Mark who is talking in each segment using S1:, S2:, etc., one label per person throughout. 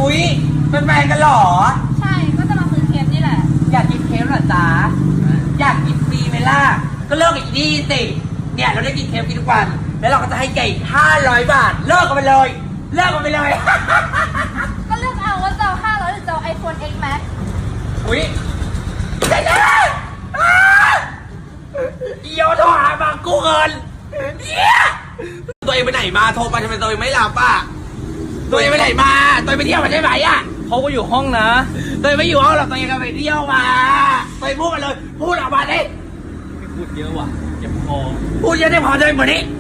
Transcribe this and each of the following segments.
S1: อุ๊ยเป็นแฟนกันเหรอ
S2: ใช่ก็จะมาซื้อเค้กนี่แหละ
S1: อยากกินเค้กเหรอจ๊ะอยากกินฟรีไหมล่ะก็เลิกกับอีนี่สิเนี่ยเราได้กินเค้กกินทุกวันแล้วเราก็จะให้แกอีก500 บาทเลิกกันไปเลยเลิกกันไปเลย
S2: ก็เลือกเอาว่าจะเอา500หรือจะเอา iPhone X Max
S1: อุ๊ยเจ๊อีโยโทรหาบางกูเงินเนี่ยตัวเองไปไหนมาโทรไปทำไมตัวเองไม่รับอ่ะตัวเองไปไหนมาตัวเองไปเที่ยวมาใช่ไหมอ่ะ
S3: เขาก็อยู่ห้องนะ
S1: ตัวเองไม่อยู่ห้องหรอกตัวเองก็ไปเที่ยวมาตัวเองพูดมาเลยพูดออกมาดิ
S3: ไม่พูดเยอะว่ะเจ็บคอ
S1: พูดเยอะได้พอเลยวันนี้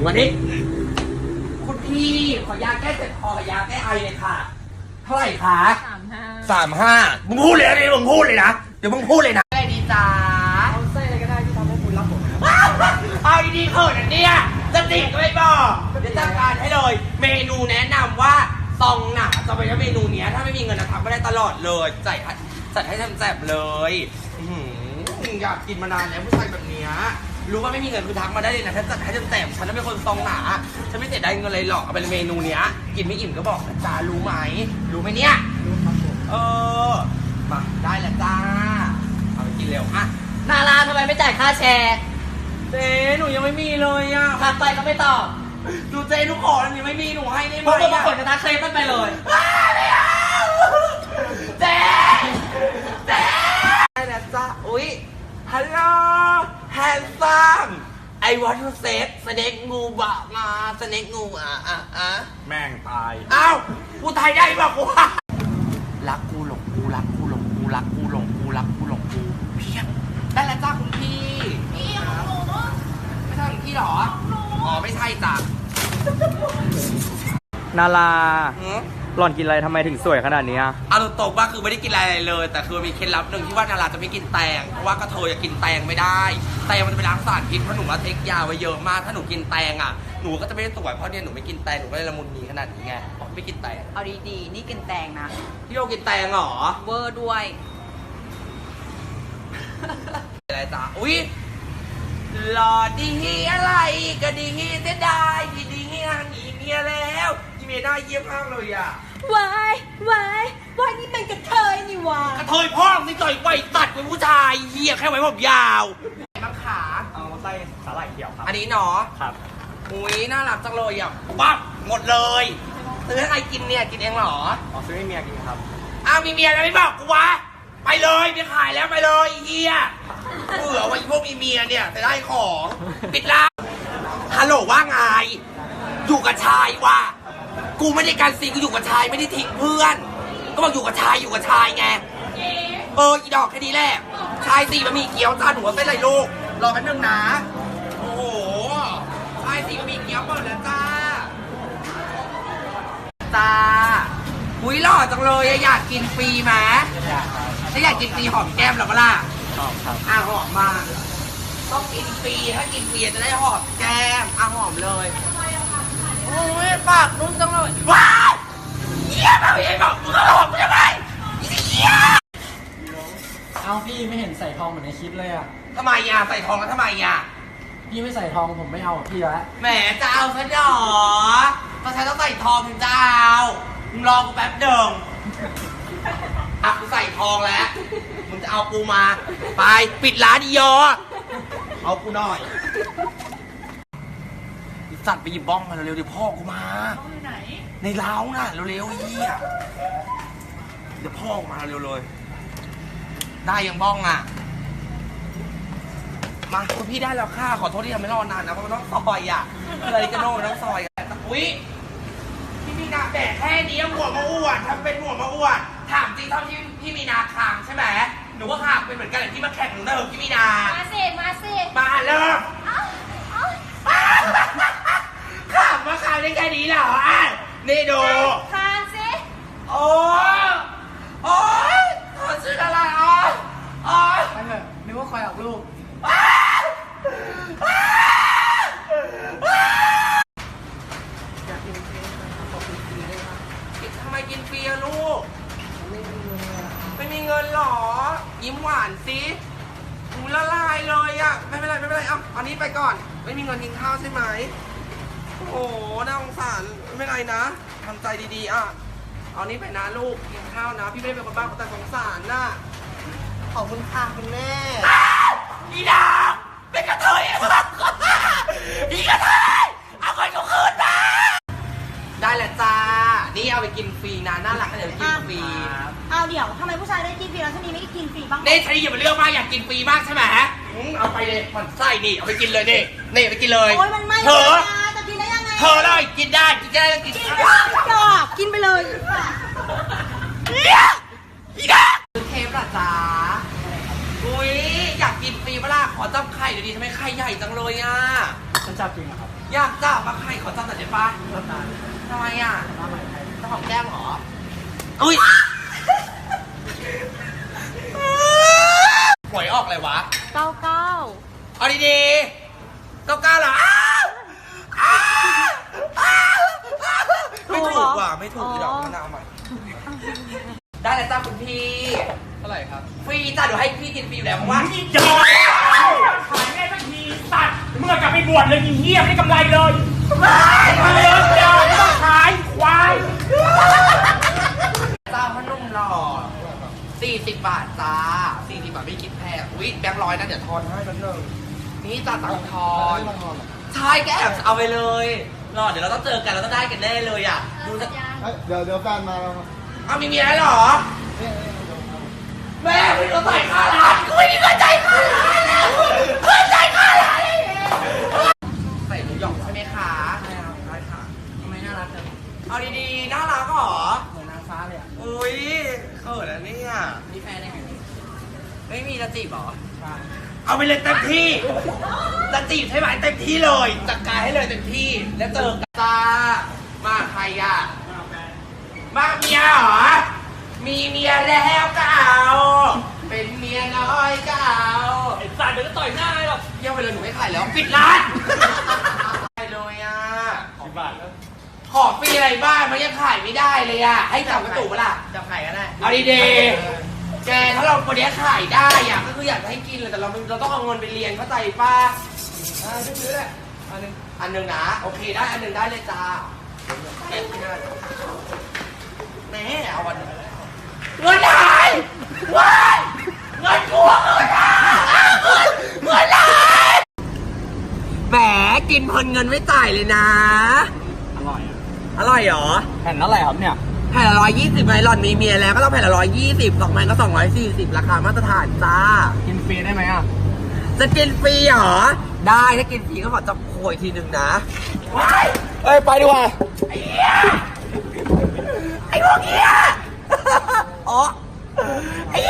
S1: คุณพี่ขอยาแก้เจ็บคอกับยาแก้ไอเลยค่ะเท่าไหร่คะ35มึงพูดเลยนะมึงพูดเลยนะเดี๋ยวมึงพูดเลยนะอะไรดีจ้า
S3: เอาไส้อะไรก็ได้ที่ทำให้คุณรับผม
S1: เอาดีๆเขินอันเนี้ยจะติดก็ไม่บอกเดี๋ยวจัดการให้เลยเมนูแนะนำว่าซองหนาจะไปใช้เมนูเนี้ยถ้าไม่มีเงินนะทำไม่ได้ตลอดเลยจัดให้แซ่บๆเลยอยากกินมานานแล้วผู้ชายแบบเนี้ยรู้ว่าไม่มีเงินคือทักมาได้เลยนะถ้าจัดให้แซ่บๆฉันเป็นคนซองหนาฉันไม่เสียดายเงินเลยหรอกเอาเป็นเมนูเนี้ยกินไม่อิ่มก็บอกนะจ๊ะรู้ไหมเนี่ย
S3: รู้ครับผม
S1: มาได้แล้วจ้าเอาไปกินเร็วอ่ะ
S2: นาราทำไมไม่จ่ายค่าแชร์
S1: เจ๊หนูยังไม่มีเลยอ่ะ
S2: ทักไปก็ไม่ตอบ
S1: ดูเจ๊หนูขอแล้วยังไม่มีหนูให้ได้ไหม
S2: พวกมึงมาขนกระทะเคลมมันไปเลย
S1: ไม่เอาเจ๊ได้แล้วจ้าอุ๊ยฮัลโหลแฮนซัมไอวอนทูเซฟสเน็กงูบะมาสเน็กงู
S3: แม่งตาย
S1: อ้าวกูไทยได้ป่ะกูรักกูหลงกูรักกูหลงกูรักกูหลงกูรักกูหลงกูเพียงได้แล้วจ้าคุณพี่
S2: พี่ของหนู
S1: ไม่ใช่ของพี่หรออ๋อไม่ใช่จ้ะ
S3: นาราหล่อนกินอะไรทำไมถึงสวยขนาดนี้
S1: เอาตรงๆว่าคือไม่ได้กินอะไรเลยแต่คือมีเคล็ดลับหนึ่งที่ว่านาราจะไม่กินแตงเพราะว่ากระเทยจะกินแตงไม่ได้แตงมันจะไปล้างสารพิษเพราะหนูว่าเทคยาไว้เยอะมากถ้าหนูกินแตงอ่ะหนูก็จะไม่ได้สวยเพราะเนี่ยหนูไม่กินแตงหนูก็เลยละมุนมีขนาดนี้ไงเพราะไม่กินแตง
S2: เอาดีๆนี่กินแตงนะ
S1: พี่โยกินแตงเหรอ
S2: เวอร์ด้วย
S1: อะไรจ้ะอุ๊ยหล่อดีอะไรก็ดีเสียดายดีห่างอีเมียแล้วอีเมียได้เยี่ยมมากเลยอ่ะ
S2: วายนี่มันกระเทยนี่วะ
S1: กระเทยพ่อสิต่อยไวตัดเป็นผู้ชายเหี้ยแค่ไว้ผมยาวบางขา
S3: เอาไส้สาหร่ายเขียวครับ
S1: อันนี้เนาะ
S3: ครับ
S1: อุ้ยน่ารักจังเลยอ่ะปั๊บหมดเลยซื้อให้ใครกินเนี่ยกินเองเหรอ
S3: อ๋อซื้อให้เมียกินครับ
S1: อ้าวมีเมียแล้วไม่บอกกูวะไปเลยไปขายแล้วไปเลยเฮียเบื่อว่าพวกมีเมียเนี่ยแต่ได้ของปิดร้านฮัลโหลว่าไงอยู่กับชายว่ะกูไม่ได้การซีกูอยู่กับชายไม่ได้ทิ้งเพื่อนก็บอกอยู่กับชายไงอีดอกแค่นี้แหละชาย4บะหมี่เกี๊ยวจานหัวเส้นไรลูกรอแป๊บนึงนะโอ้โหชาย4บะหมี่เกี๊ยวเปิดแล้วจ้าอุ้ยหล่อจังเลยอยากกินฟรีไหมถ้าอยากกินฟรีหอมแก้มหรอเปล่า
S3: หอมครับ
S1: หอมมากต้องกินฟรีถ้ากินฟรีจะได้หอมแก้มหอมเลยโอ้ยปากนุ่มจังเลยว้าวเยี่ยมากเลยบอกมึงก็หอมกูทำไมเยี่ยม
S3: เอาพี่ไม่เห็นใส่ทองเหมือนในคลิปเลย
S1: ทำไมใส่ทองแล้วทำไม
S3: พี่ไม่ใส่ทองผมไม่เอาพี่แล้ว
S1: แหมจะเอาซะหรอตอนฉันต้องใส่ทองถึงจะเอามึงรอกูแป๊บเดิมกูใส่ทองแล้วมึงจะเอากูมาไปปิดร้านดียอเอากูหน่อยสัตว์ไปหยิบบ้องมาเร็วๆเดี๋ยวพ่อกูมาไหนในเล้าน่ะเร็วๆเฮียเดี๋ยวพ่อกูมาเร็วเลยได้ยังบ้องมาคุณพี่ได้แล้วค่ะขอโทษที่ทำให้รอนานนะเพราะมันต้องซอยอะไรกันโน่ต้องซอยอุ้ยพี่มีนาแบกแค่นี้หัวมาอ้วนทำเป็นหัวมาอ้วนถามจริงเท่าที่พี่มีนาคางใช่ไหมหนูก็คางเป็นเหมือนกันแต่ที่มาแข่งหนูเดิมพี่มีนา
S2: มาสิ
S1: มาเริ่มขำมาคางได้แค่นี้เหรอนี่ดู
S2: คางสิ
S1: โอ้ยขอซื้ออะไร
S3: ไปเถอะนึกว่าคอยออกลูก
S1: ทำไมกินฟรีอะลูกไม่มีเงินหรอยิ้มหวานสิละลายเลยไม่เป็นไรเอาอันนี้ไปก่อนไม่มีเงินกินข้าวใช่ไหมโอ้โหน่าสงสารไม่เป็นไรนะทำใจดีๆเอานี่ไปนะลูกกินข้าวนะ พี่ไม่ได้เป็นคนบ้าแต่สงสารน่ะ
S4: ขอบคุณค่ะคุณแม่
S1: อีดาเป็นกระเทยอีกกระเทยเอาเงินกูคืนมาได้แหละจ้า นี่เอาไปกินฟรีนะน่ารักนะเดี๋ยวไปกินฟรี
S4: เอาเดี๋ยวทำไมผู้ชายได้กินฟรีแล้วชนีไม่ได้กินฟรีบ้าง
S1: นี่ชนีอย่ามาเลือกมากอยากกินฟรีมากใช่ไหมเอาไปเลยมันไส้นี่เอาไปกินเลยนี่ไปกินเลย
S4: โอ้ยมันไม่
S1: เธอ
S4: นะจะกินได้ยังไง
S1: เธอเลยกินได้กินได้กิน
S4: กินไม่ได้ดอกกินไปเลย
S1: อีดาเทปล่ะจ้าอุ้ยอยากกินฟรีเปล่าขอจับไข่เดี๋ยวดีทำไมไข่ใหญ่จังเลยอ่ะ
S3: ฉันจับจริงเหรอครับ
S1: อยากจับมาไข่ขอจับหน่อยได้ปะ
S3: รถตาล
S1: ทำไมอ่ะ
S3: มาใหม่ไทย
S1: เจ้าของแก้มเหรออุ้ยหวยออกเลยวะ
S2: เก้าเก้า
S1: เอาดีๆ99เหรอไม่ถูกว่ะไม่ถูกอีดอกมะนาวใหม่ได้แล้วจ้าคุณพี่
S3: เท่าไหร่ครับ
S1: ฟรีจ้าเดี๋ยวให้พี่กินฟรีอยู่แล้วเพราะว่า
S5: อีจอยขายแม่ทันทีสัตว์เมื่อกลับไปบวชเลยยิงเงียบไม่กำไรเลยมาเลยเดี๋ยวไม่ต้องขายควาย
S1: เจ้าพนุ่มหล่อ40 บาทจ้า40 บาทไม่คิดแพงอุ๊ยแบงค์ร้อยนะเดี๋ยวทอนให้แป๊บนึงนี่จ้าตังค์ทอนใช่แกแอบเอาไปเลยรอเดี๋ยวเราต้องเจอกันเราต้องได้กันแน่เลยอ่ะดูจะ
S6: เดี๋ยวแฟนมาแล้วครับ
S1: เอามีเมียแล้วเหรอแม่ไม่ต้องจ่ายค่าร้านกูไม่มีเงินจ่ายค่าร้านแล้วเงินจ่ายค่าร้านใส่หมูหยองใช่ไหมคะใช่ครับได้ค่ะ
S3: ทำไมน่ารักจัง
S1: เอาดีๆน่ารักเหรอ
S3: เหมือนนางฟ้าเลยอ่ะ
S1: อุ้ยเขินแล้วเนี่ย
S3: มีแฟนได้ไงเนี่ย
S1: ไม่มีจะจีบเหรอ
S3: ใช่
S1: เอาไปเลยเต็มที่จะจีบใช่ไหมเต็มที่เลยจัดการให้เลยเต็มที่ แล้วเจอกันจ้ามาใครอ่ะมาเมียเหรอ มีเมียแล้วก็เอาเป็นเมียน้อยก็เอา
S5: ไอ้สัตว์เดี๋ยวจะต่อยหน้าให้หรอก
S1: เยี่ยมไปเลยหนูไม่ขายแล้วปิดร้านไปเลยอ่ะ
S3: 10 บาทแล้ว
S1: ขอฟรีอะไรบ้างมันยังขายไม่ได้เลยอ่ะให้จับกระตุกปะล่ะ
S3: จับไข่ก็ได้
S1: เอาดีๆแกถ้าเราคนนี้ขายได้อ่ะก็คืออยากจะให้กินเลยแต่เราต้องเอาเงินไปเรียนเข้าใจป้าซื้อเลยอันหนึ่งนะโอเคได้อันหนึ่งได้เลยจ้าแม่เอาวันเงินหายว้ายเงินกูเงินหายเงินหายแหมกินเพลินเงินไม่จ่ายเลยนะ
S3: อร่อยอ่ะ
S1: อร่อยเหรอ
S3: แผ่นเท่าไหร่ครับเนี่ย
S1: แผ่นละ120ไงหล่อนมีเมียแล้วก็ต้องแผ่นละ120 2 มันก็240ราคามาตรฐานจ้า
S3: กินฟรีได้ไหมอ่ะ
S1: จะกินฟรีเหรอ ได้ถ้ากินฟรีก็ขอจับโขยทีหนึ่งนะว้าย
S3: เอ้ย ไปดีกว่า
S1: ไอ้เหี้ยไอ้พวกเหี้ยอ๋อไอ้